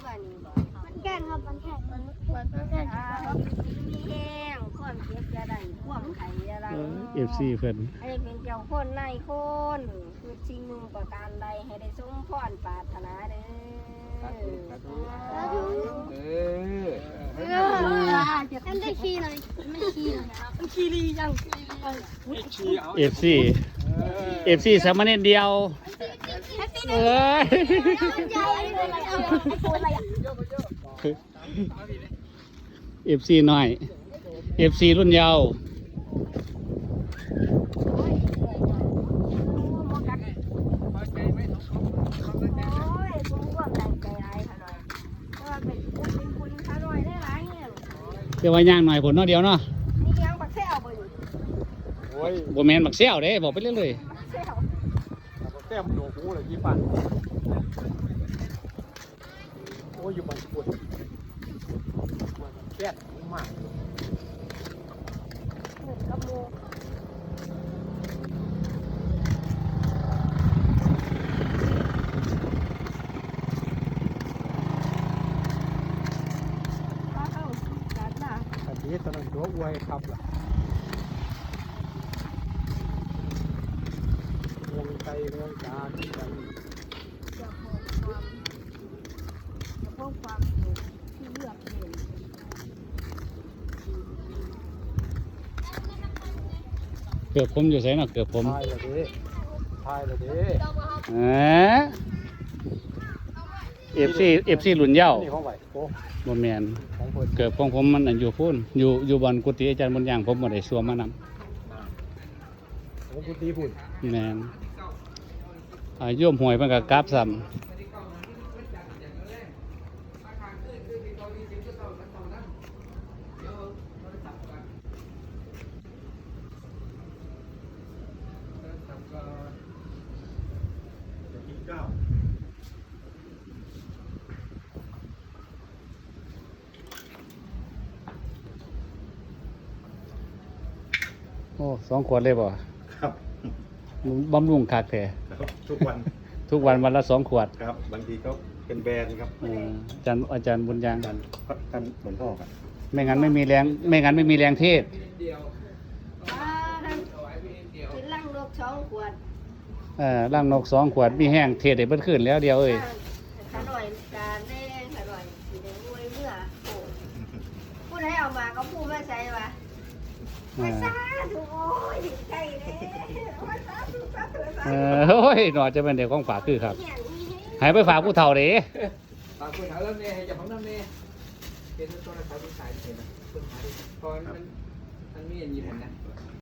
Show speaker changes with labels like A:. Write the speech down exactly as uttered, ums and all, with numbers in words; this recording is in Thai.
A: อันนี้บ่
B: มันแก่นครับมันแข็งมันมัน
A: มัน
B: แข็ง
A: อ่ามีแห้งความเจ็บจะได้ความไข่อะไร
C: เอฟซีเพิ่น
A: ให้เป็นเจ้าคนนายคนคือสิ่งหนึ่งประการใดให้ได้สมพรปรารถนาเด้อ
D: เออ
B: เออฉันได้ขี้เลยไม่ขี้เลยนะครับขี้ดีจัง
C: เอฟซีเอฟซีสามเณรเดียวเอ้ย
B: ใหญ่เลยเอาไอ้ตัวอะไรอ่ะ
C: เอฟซีหน่อยเอฟซีรุ่นเยาว์
D: พอใจไหมน้องเขาพอใจไหม
A: โอ้ยผมก็ตั้งใจหลายขนาดเพราะว่าเป็นคุณเป็นคุณขาหน่อยได้หลายเนี่ย
C: เดี๋ยวว่าย่างหน่อยผลเนาะเดียวเนาะ
A: นี่ยังปักแซวบ่อยู่
D: โอ้ย
C: บ่แม่นบักเซี่ยวเด้บอกไปเรื่อย
A: ปักแซว
D: แต้มโดหูเลยยี่ปันโอ้ยอยู่บ้านปวดแก้มาก
A: เหมือนกับโมก็เข้ากันนะ
D: อันนี้ตอนนั้นตัวอวยครับล่ะเมืองไทยเมืองการกัน
A: จะพบความจะพบความสุขที่เลือกเอง
C: ๆเกือบผมอยู่ไสเนาะเกือบผม
D: ทายเลยดิทายเลยดิ
C: เออเอฟซีเอฟซีรุ่นเยาว์
D: นี่ของไหวโอ้
C: บ่แม่น
D: ของเพิ่น
C: เกือบของผมมันอันอยู่พุ่นอยู่อยู่บอนกุฏิอาจารย์บุญยังผมบ่ได้สวมมานำ
D: ของคุณตีพุ่น
C: แม่นอ่าโยมหวยเพิ่นก็กราบซ้ำ
D: เก้า
C: โอ้สองขวดเลยบ่
E: ครับ
C: บำรุงคักแท้
E: ครับทุกวัน
C: ทุกวันวันละสองขวด
E: ครับบางทีก็เป็นแบรนด์ครับ
C: เอออาจารย์อาจารย์บุญยัง
E: กันกันเหมือนพ่อครับ
C: ไม่งั้นไม่มีแรงไม่งั้นไม่มีแรงเทศ
A: อ่าท่านเป็นลังโลกสองขวด
C: เออร่างนกสองขวดมีแห้งเทศได้เบิดขึ้นแล้วเดียวเอ้ย
A: ขาหน่อยการแดงขาหน่อยสีแดงรวยเมื่อโอ้พูดให้เอามาก็พูดไม่ใช่ปะ
C: เอ
A: ไม่
C: อ
A: ซาถูกโอ้ยใช่เลยไม่ซาถูกซาถูกซา
C: เออโอ้ยหนอจะเป็นเด็กของฝากคือครับ
A: เนี่ยนี่
C: ให้ไปฝากผู้เฒ่าเด้
D: ฝากคุณหาแล้วเนี่ยอย่าพังน้ำเนี่ยเป็นต้นอะไรขายที่ขายเห็นนะต้นขายพอมันมันมีอย่างนี้ผมนะ